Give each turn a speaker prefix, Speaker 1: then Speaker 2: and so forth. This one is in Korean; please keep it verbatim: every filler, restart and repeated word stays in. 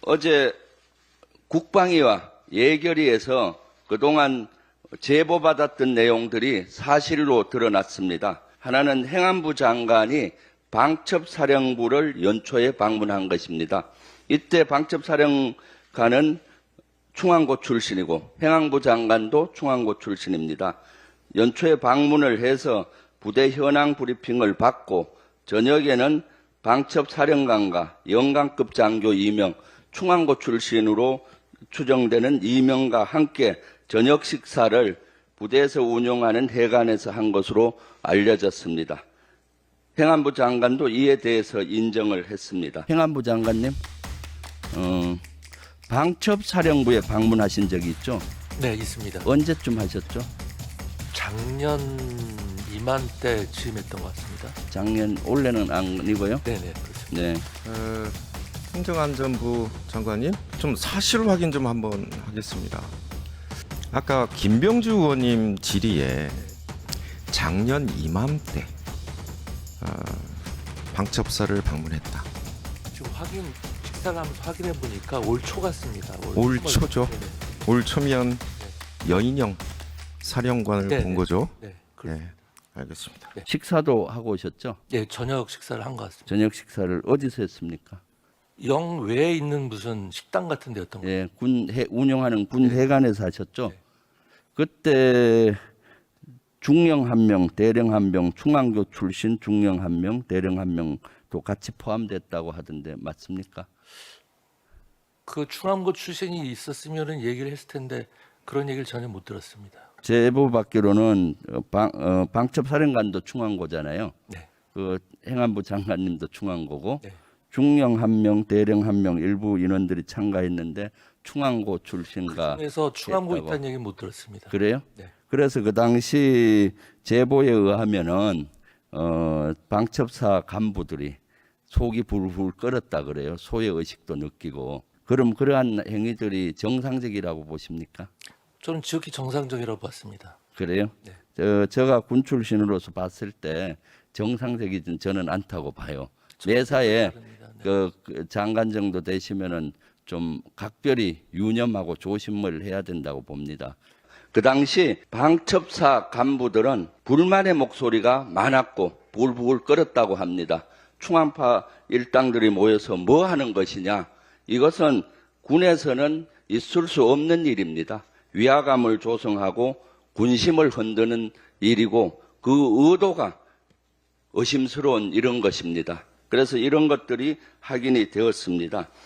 Speaker 1: 어제 국방위와 예결위에서 그동안 제보받았던 내용들이 사실로 드러났습니다. 하나는 행안부 장관이 방첩사령부를 연초에 방문한 것입니다. 이때 방첩사령관은 충안고 출신이고 행안부 장관도 충안고 출신입니다. 연초에 방문을 해서 부대 현황 브리핑을 받고 저녁에는 방첩사령관과 영관급 장교 두 명, 충안고 출신으로 추정되는 두 명과 함께 저녁 식사를 부대에서 운영하는 해관에서 한 것으로 알려졌습니다. 행안부 장관도 이에 대해서 인정을 했습니다. 행안부 장관님, 어, 방첩사령부에 방문하신 적이 있죠?
Speaker 2: 네, 있습니다.
Speaker 1: 언제쯤 하셨죠?
Speaker 2: 작년 이맘때 취임했던 것 같습니다.
Speaker 1: 작년, 올해는 아니고요?
Speaker 2: 네네, 그렇습니다.
Speaker 1: 네.
Speaker 3: 어, 행정안전부 장관님, 좀 사실 확인 좀 한번 하겠습니다. 아까 김병주 의원님 질의에 작년 이맘때 어, 방첩사를 방문했다.
Speaker 2: 지금 확인, 식사를 하면서 확인해 보니까 올 초 같습니다.
Speaker 3: 올 초죠?
Speaker 2: 네네.
Speaker 3: 올 초면 여인영 사령관을
Speaker 2: 네네.
Speaker 3: 본 거죠?
Speaker 2: 네,
Speaker 3: 네,
Speaker 2: 그렇습니다.
Speaker 3: 알겠습니다.
Speaker 1: 식사도 하고 오셨죠?
Speaker 2: 네, 저녁 식사를 한 것 같습니다.
Speaker 1: 저녁 식사를 어디서 했습니까?
Speaker 2: 영 외에 있는 무슨 식당 같은 데였던 것 같아요.
Speaker 1: 예, 군 해, 운영하는 군 해관에서 하셨죠?
Speaker 2: 네.
Speaker 1: 그때 중령 한 명, 대령 한 명, 충안교 출신 중령 한 명, 대령 한 명도 같이 포함됐다고 하던데 맞습니까?
Speaker 2: 그 충암고 출신이 있었으면은 얘기를 했을 텐데 그런 얘기를 전혀 못 들었습니다.
Speaker 1: 제보 받기로는 어, 방, 어, 방첩사령관도 충안고잖아요.
Speaker 2: 네.
Speaker 1: 그 행안부 장관님도 충안고고
Speaker 2: 네.
Speaker 1: 중령 한 명, 대령 한 명 일부 인원들이 참가했는데 충안고 출신과
Speaker 2: 그중에서 충암고
Speaker 1: 했다고.
Speaker 2: 있다는 얘기 못 들었습니다.
Speaker 1: 그래요?
Speaker 2: 네.
Speaker 1: 그래서 그 당시 제보에 의하면은 어, 방첩사 간부들이 속이 불불 끓었다 그래요. 소의 의식도 느끼고. 그럼 그러한 행위들이 정상적이라고 보십니까?
Speaker 2: 저는 지극히 정상적이라고 봤습니다.
Speaker 1: 그래요?
Speaker 2: 네.
Speaker 1: 저, 제가 군 출신으로서 봤을 때 정상적이진 저는 않다고 봐요. 매사에
Speaker 2: 다릅니다. 네.
Speaker 1: 그, 그 장관 정도 되시면은 좀 각별히 유념하고 조심을 해야 된다고 봅니다. 그 당시 방첩사 간부들은 불만의 목소리가 많았고 불불 끓었다고 합니다. 충안파 일당들이 모여서 뭐 하는 것이냐? 이것은 군에서는 있을 수 없는 일입니다. 위화감을 조성하고 군심을 흔드는 일이고 그 의도가 의심스러운 이런 것입니다. 그래서 이런 것들이 확인이 되었습니다.